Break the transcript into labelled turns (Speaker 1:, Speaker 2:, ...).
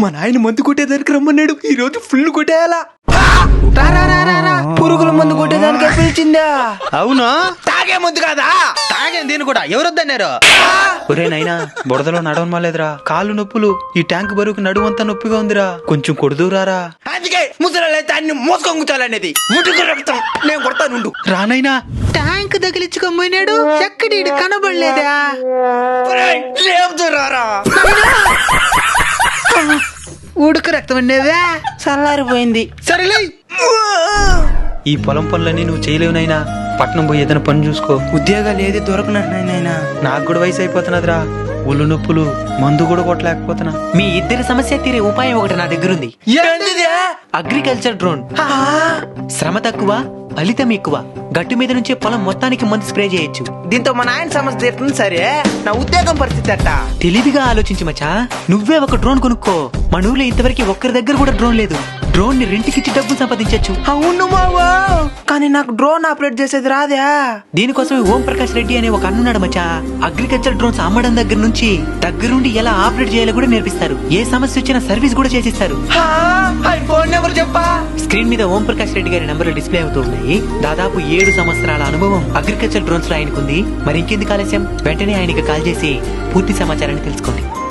Speaker 1: మా నాయన మందు కొట్టేదానికి రమ్మన్నాడు. ఈ రోజు ఫుల్ కొట్టేయాలా.
Speaker 2: పురుగుల మందు కొట్టేదానికి పిలిచిందా?
Speaker 1: అవునా?
Speaker 2: తాగే మందు కాదా?
Speaker 1: తాగేం దీని కూడా ఎవరొద్దన్నారు? ఒరే నైనా బురదలో నడవమాలేదురా, కాళ్ళు నొప్పులు, ఈ ట్యాంక్ బరువుకి నడువంతా నొప్పిగా ఉందిరా, కొంచెం కొడుదూరారా.
Speaker 2: అందుకే ముసలైతే అన్ని మోసుకొని కూర్చోాలనేది. ముట్టుకు రక్తం నేను కొడతానుండు.
Speaker 1: రానైనా ట్యాంక్ తగిలించుకోపోయినాడు, ఎక్కడి కనబడలేదా?
Speaker 2: లేవుతురారా,
Speaker 1: ఉడుకు రక్తం అనేవే
Speaker 2: చల్లారిపోయింది.
Speaker 1: సరేలే, ఈ పొలం పనులన్నీ నువ్వు చేయలేవునైనా. పట్నం పోయి ఏదైనా పని చూసుకో.
Speaker 2: ఉద్యోగాలు ఏది దొరకనైనా.
Speaker 1: నాకు కూడా వయసు అయిపోతున్నదిరా, ఒళ్ళు నొప్పులు, మందు కూడా కొట్టలేకపోతున్నా.
Speaker 3: మీ ఇద్దరి సమస్య తీరే ఉపాయం ఒకటి నా దగ్గర ఉంది. Agriculture drone. శ్రమ తక్కువ, ఫలితం ఎక్కువ. గట్టు మీద నుంచే పొలం మొత్తానికి మందు స్ప్రే చేయొచ్చు.
Speaker 2: దీంతో మా నాయన సమస్య తీరుతుంది. సరే, నా ఉద్యోగం పరిస్థితి అట్ట.
Speaker 3: తెలివిగా ఆలోచించి మచా, నువ్వే ఒక డ్రోన్ కొనుక్కో. మన ఊర్లో ఇంతవరకు ఒక్కరి దగ్గర కూడా డ్రోన్ లేదు. డ్రోన్ ని రెంట్కిచ్చి డబ్బులు సంపాదించచ్చు.
Speaker 2: అవును మావా, కానీ నాకు డ్రోన్ ఆపరేట్ చేసేది రాదా?
Speaker 3: దీనికోసమే ఓం ప్రకాష్ రెడ్డి అనే ఒక అన్నున్నాడు మచా. అగ్రికల్చర్ డ్రోన్స్ అమ్మడం దగ్గర నుంచి దగ్గరుండి ఎలా ఆపరేట్ చేయాలో కూడా నేర్పిస్తారు. ఏ సమస్య వచ్చినా సర్వీస్ కూడా చేసిస్తారు.
Speaker 2: ఫోన్ నెంబర్ చెప్పా.
Speaker 3: స్క్రీన్ మీద ఓం ప్రకాష్ రెడ్డి గారి నంబర్లు డిస్ప్లే అవుతూ ఉన్నాయి. దాదాపు 7 సంవత్సరాల అనుభవం అగ్రికల్చర్ డ్రోన్స్ లో ఆయనకుంది. మరి ఇంకెందుకు ఆలస్యం, వెంటనే ఆయనకి కాల్ చేసి పూర్తి సమాచారాన్ని తెలుసుకోండి.